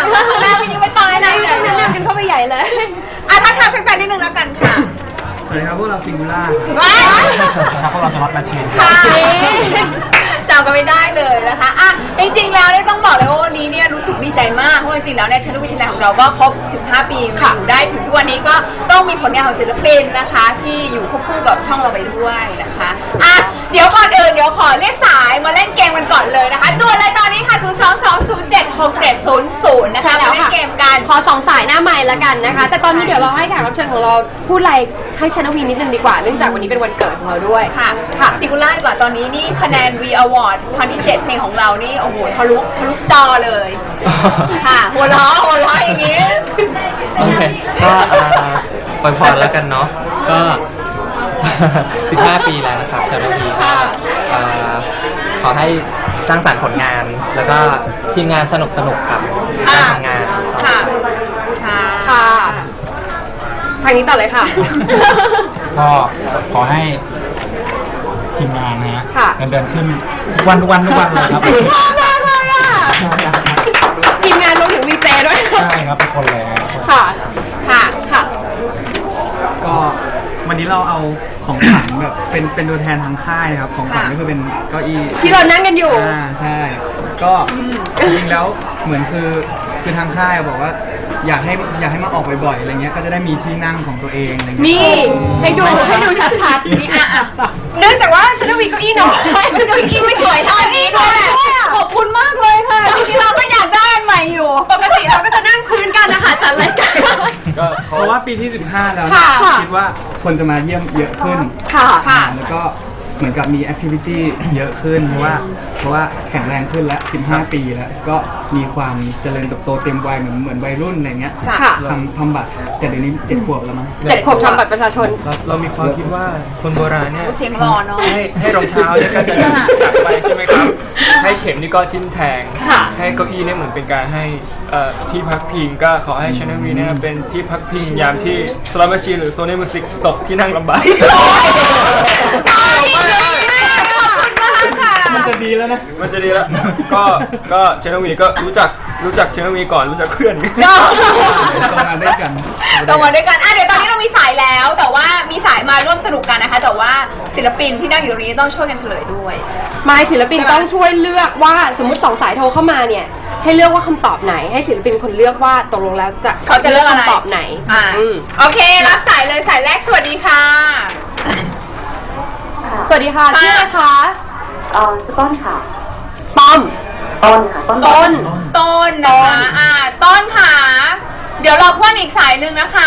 ข้างหน้าก็ยิ่งไม่ต้องนะยิ่งต้องแนะนำกันเข้าไปใหญ่เลยทักทายแฟนๆนิดนึงแล้วกันค่ะสวัสดีครับพวกเราซิงคูล่าครับพวกเราสล็อตแมชชีนจำกันไม่ได้เลยนะคะอ่ะจริงๆแล้วเนี่ยต้องบอกเลยว่าวันนี้เนี่ยรู้สึกดีใจมากเพราะจริงๆแล้วเนี่ยชั้นวิทยาลัยของเราก็ครบ15 ปีอยู่ได้ถึงทุกวันนี้ก็ต้องมีผลงานของศิลปินนะคะที่อยู่ควบคู่กับช่องเราไปด้วยนะคะอ่ะเดี๋ยวก่อนอื่นเดี๋ยวขอเรียกสายมาเล่นเกมกันก่อนเลยนะคะด่วนเลยตอนนี้ค่ะ022076700นะคะแล้วเล่นเกมกันขอ2 สายหน้าไมค์แล้วกันนะคะแต่ตอนนี้เดี๋ยวเราให้แขกรับเชิญของเราพูดอะไรให้ชนวีนิดนึงดีกว่าเนื่องจากวันนี้เป็นวันเกิดของเราด้วยค่ะซิงคูล่าดีกว่าตอนนี้นี่คะแนน V Award ครั้งที่7เพลงของเรานี่โอ้โหทะลุจอเลยค่ะหัวเราะอย่างนี้โอเคก็อวยพรแล้วกันเนาะก็15 ปีแล้วนะครับชาโนวีก็ขอให้สร้างสรรค์ผลงานแล้วก็ทีมงานสนุกครับการทำงานค่ะทางนี้ต่อเลยค่ะก็ขอให้ทีมงานนะฮะเงินเดือนขึ้นทุกวันเลยครับชอบมากเลยอ่ะทีมงานรวมถึงวีเจด้วยใช่ครับทุกคนเลยค่ะก็วันนี้เราเอาของขวัญแบบเป็นตัวแทนทางค่ายครับของขวัญก็คือเป็นเก้าอี้ที่เรานั่งกันอยู่ใช่ก็จริงๆแล้วเหมือนคือทางค่ายบอกว่าอยากให้มาออกบ่อยๆอะไรเงี้ยก็จะได้มีที่นั่งของตัวเองอะไรเงี้ยนี่ให้ดูชัดๆนี่เนื่องจากว่าชนวีเก้าอี้น้อยเก้าอี้ไม่สวยเท่านี้ด้วยขอบคุณมากเลยค่ะที่เราก็อยากได้ใหม่อยู่ปกติเราก็จะนั่งพื้นกันนะคะจัดรายการก็เพราะว่าปีที่15แล้วคิดว่าคนจะมาเยี่ยมเยอะขึ้นแล้วก็เหมือนกับมีแอคทิวิตี้เยอะขึ้นเพราะว่าแข็งแรงขึ้นแล้ว15 ปีแล้วก็มีความเจริญเติบโตเต็มวัยเหมือนวัยรุ่นอะไรเงี้ยทำบัตรแต่เดี๋ยวนี้7 ขวบแล้วมั้ง 7 ขวบทำบัตรประชาชนเรามีความคิดว่าคนโบราณเนี่ยเสียงหล่อเนาะให้รองเท้าเนี่ยก็จะจับไปใช่ไหมครับให้เข็มนี่ก็ทิ่มแทงให้เก้าอี้เนี่ยเหมือนเป็นการให้ที่พักพิงก็ขอให้ชาแนลวีเนี่ยเป็นที่พักพิงยามที่สล็อตแมชชีนหรือโซนี่มิวสิกตกที่นั่งลำบากมันจะดีแล้วนะมันจะดีแล้วก็เชนวีก็รู้จักเชนวีก่อนรู้จักเพื่อนต้องมาด้วยกันเดี๋ยวตอนนี้เรามีสายแล้วแต่ว่ามีสายมาร่วมสนุกกันนะคะแต่ว่าศิลปินที่นั่งอยู่ตรงนี้ต้องช่วยกันเฉลยด้วยไม่ศิลปินต้องช่วยเลือกว่าสมมติ2 สายโทรเข้ามาเนี่ยให้เลือกว่าคำตอบไหนให้ศิลปินคนเลือกว่าตกลงแล้วเขาจะเลือกคำตอบไหนโอเครับสายเลยสายแรกสวัสดีค่ะสวัสดีค่ะชื่ออะไรคะต้นค่ะต้นค่ะต้นนะคะต้นค่ะเดี๋ยวรอเพื่อนอีกสายหนึ่งนะคะ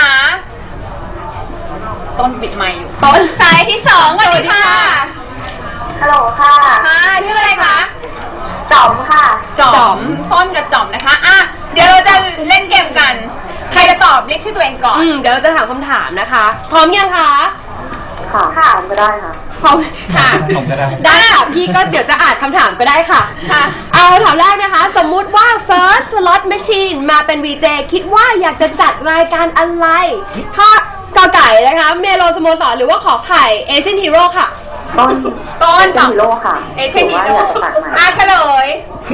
ต้นปิดไมค์อยู่ต้นสายที่2สวัสดีค่ะฮัลโหลค่ะชื่ออะไรคะจ๋อมค่ะจ๋อมต้นกับจ๋อมนะคะเดี๋ยวเราจะเล่นเกมกันใครจะตอบเรียกชื่อตัวเองก่อนเดี๋ยวเราจะถามคำถามนะคะพร้อมยังคะค่ะก็ได้ค่ะพร้อมค่ะได้ค่ะพี่ก็เดี๋ยวจะอ่านคำถามก็ได้ค่ะเอาถามแรกนะคะสมมุติว่า First Slot Machine มาเป็น VJ คิดว่าอยากจะจัดรายการอะไรข้อกอไก่นะคะเมโลสโมสรหรือว่าขอไข่เอเชียนฮีโร่ค่ะต้นฮีโร่ค่ะเอเชียนฮีโร่เฉลย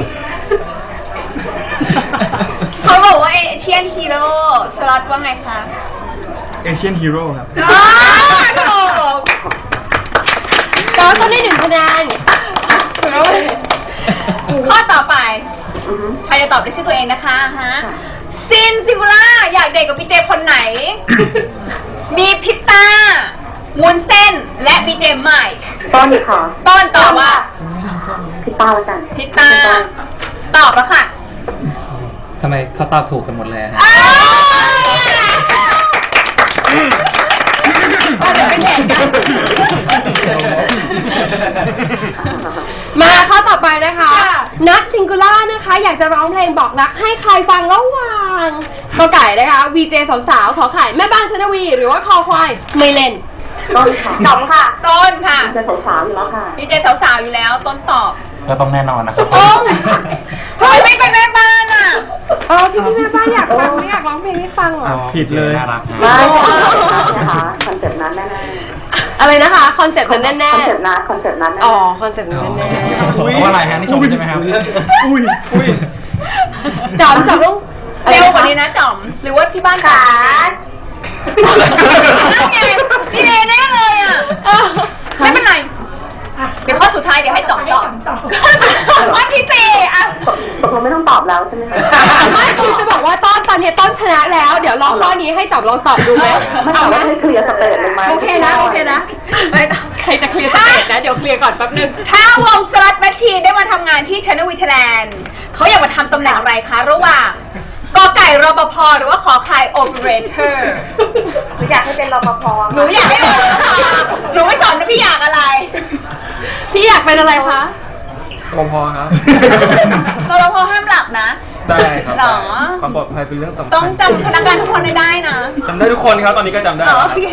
เขาบอกว่าเอเชียนฮีโร่สล็อตว่าไงคะเอเชียนฮีโร่ครับถูกต้นได้1 คะแนนข้อต่อไปใครจะตอบได้ชื่อตัวเองนะคะซินซิงคูล่าอยากเดทกับพี่เจคนไหนมีพิตต้าวุ้นเส้นและพี่เจใหม่ต้นค่ะต้นตอบว่าพิตต้าแล้วกันพิตต้าตอบแล้วค่ะทำไมเขาตอบถูกกันหมดเลยมาข้อต่อไปนะคะนัทซิงคูล่านะคะอยากจะร้องเพลงบอกรักให้ใครฟังระหว่างกอไก่นะคะ VJ สาวๆขอไข่แม่บ้านชนวีหรือว่าคอควายไม่เล่นต้นค่ะจ๋อมค่ะต้นค่ะ VJ สาวๆอยู่แล้วค่ะ VJ สาวๆอยู่แล้วต้นตอบก็ต้องแน่นอนนะครับทำไมไม่เป็นแม่บ้านพี่แม่บ้านอยากฟังไม่อยากร้องเพลงให้ฟังหรอผิดเลยไม่นะคะคอนเซ็ปต์นั้นแน่อะไรนะคะคอนเซ็ปต์นั้นแน่คอนเซ็ปต์นั้นคอนเซ็ปต์นั้นคอนเซ็ปต์นั้นแน่เพราะอะไรฮะนี่ชมใช่ไหมครับจอมต้องเร็วกว่านี้นะจอมหรือว่าที่บ้านจ๋าไงพี่เนแน่เลยอ่ะไม่เป็นไรเดี๋ยวข้อสุดท้ายเดี๋ยวให้จอมตอบข้อที่สี่อ่ะตกลงไม่ต้องตอบแล้วใช่ไหมคะไม่คือจะบอกว่าตอนนี้ต้นชนะแล้ว เดี๋ยวลองข้อนี้ให้จอบลองตอบดูไหมไม่เอาให้เคลียร์สเตจเลยไหมโอเคนะใครจะเคลียร์สเตจนะเดี๋ยวเคลียร์ก่อนแป๊บนึงถ้าวงสลัดแมชชีนได้มาทำงานที่ Channel V Thailand เขาอยากมาทำตำแหน่งอะไรคะระหว่างกอไก่รปภหรือว่าขอไข่โอเปอเรเตอร์หนูอยากให้เป็นรปภหนูอยากให้เป็นรปภหนูไม่สอนนะพี่อยากอะไรพี่อยากเป็นอะไรคะรปภครับรปภห้ามหลับนะได้ครับหรอความปลอดภัยเป็นเรื่องสำคัญต้องจำพนักงานทุกคนได้นะจำได้ทุกคนครับตอนนี้ก็จำได้โอเค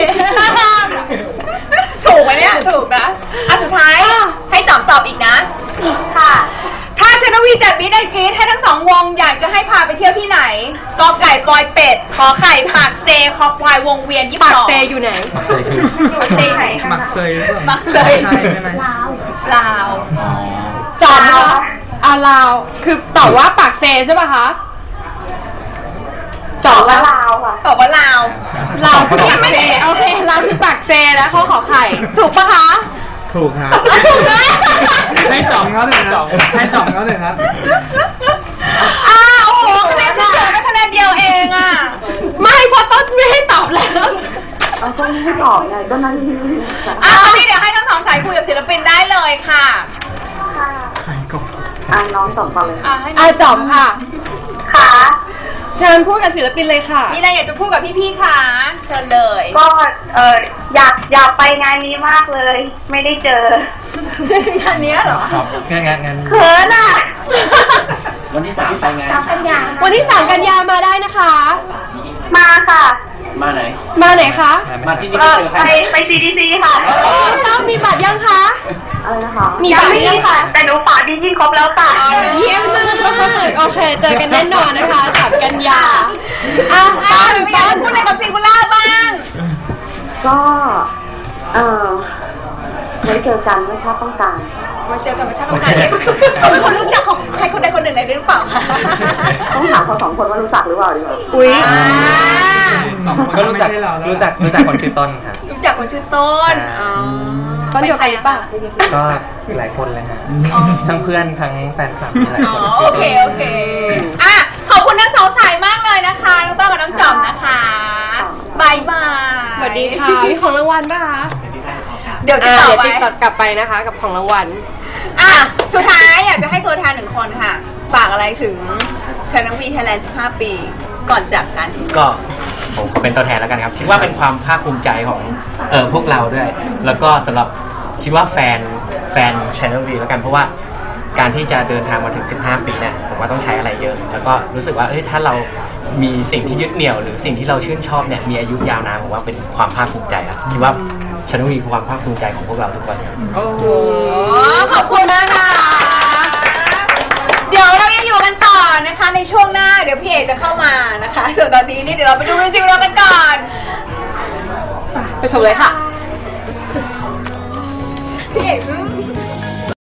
ถูกไหมเนี่ยถูกนะอ่ะสุดท้ายให้จอมตอบอีกนะค่ะถ้าชนวีจัดมิดแอนด์กรีดให้ทั้งสองวงอยากจะให้พาไปเที่ยวที่ไหนกอไก่ปอยเป็ดขอไข่ปากเซคอควายวงเวียน22 ปากเซอยู่ไหนมักเซยคือปากเซไหนมักเซยหรือเปล่ามักเซยใช่ใช่ไหมลาวอ๋อจอมนะคะลาวคือตอบว่าปากเซใช่ป่ะคะจอมว่าว่าลาวค่ะตอบว่าลาวลาวคือปากเซโอเคลาวคือปากเซแล้วเขาขอไข่ถูกปะคะถูกครับถูกนะให้จอมเขาหนึ่งครับให้จอมเขาหนึ่งครับโอ้โหคะแนนเฉยๆไม่คะแนนเดียวเองอ่ะไม่เพราะต้นไม่ให้ตอบแล้วเอาก็ไม่ตอบไงก็นั่นที่ตอนนี้เดี๋ยวให้ทั้งสองสายคุยกับศิลปินได้เลยค่ะน้องส่งต่อเลยให้จอมค่ะค่ะเชิญพูดกับศิลปินเลยค่ะมีอะไรอยากจะพูดกับพี่ๆคะเชิญเลยก็อยากไปงานนี้มากเลย ไม่ได้เจองานนี้เหรอครับงานเขินอ่ะวันที่ 3 ไปไงวันที่3 กันยามาได้นะคะมาค่ะมาไหนมาไหนคะมาที่นี่ไม่เจอใครไป CDC ค่ะต้องมีบัตรยังคะอะไรนะคะมีบัตรหรือยังคะแต่หนูฝากดิจิครบแล้วค่ะเยี่ยมมากโอเค เจอกันแน่นอนนะคะ3 กันยาต้นไม่อยากจะพูดอะไรกับซิงคูล่าบ้างก็ไว้เจอกันไม่ถ้าต้องการมาเจอกันมาชาติต้องการเนี่ยเขาเป็นคนรู้จักของใครคนใดคนหนึ่งในนี้หรือเปล่าคะต้องถามเขาสองคนว่ารู้จักหรือเปล่าดีกว่าอุ้ยสองคนก็รู้จักไม่ใช่เราแล้วรู้จักคนชื่อต้นครับรู้จักคนชื่อต้นต้นเดียวกันหรือเปล่าก็หลายคนเลยฮะทั้งเพื่อนทั้งแฟนคลับมีหลายอ๋อคนโอเคอ่ะขอบคุณทั้งสองสายมากเลยนะคะน้องต้นกับน้องจอมนะคะบายบายสวัสดีค่ะ มีของรางวัลป่ะคะเดี๋ยวติดต่อเดี๋ยวไว้ติ๊กกลับไปนะคะ กับของรางวัลสุดท้ายอยากจะให้ตัวแทนหนึ่งคนค่ะฝากอะไรถึงเทนวีไทยแลนด์15 ปีก่อนจากกันก็ผมขอเป็นตัวแทนแล้วกันครับคิดว่าเป็นความภาคภูมิใจของพวกเราด้วย แล้วก็สำหรับคิดว่าแฟน Channel V แล้วกันเพราะว่าการที่จะเดินทางมาถึง15 ปีเนี่ยผมว่าต้องใช้อะไรเยอะ แล้วก็รู้สึกว่าถ้าเรามีสิ่งที่ยึดเหนี่ยวหรือสิ่งที่เราชื่นชอบเนี่ยมีอายุยาวนานผมว่าเป็นความภาคภูมิใจครับคิดว่า Channel V คือความภาคภูมิใจของพวกเราทุกคนครับโอ้โหขอบคุณมากค่ะเดี๋ยวเรายังอยู่กันต่อนะคะในช่วงหน้าเดี๋ยวพี่เอกจะเข้ามานะคะส่วนตอนนี้นี่เดี๋ยวเราไปดูมิวสิกวิดีโอกันก่อนไปชมเลยค่ะพี่เอก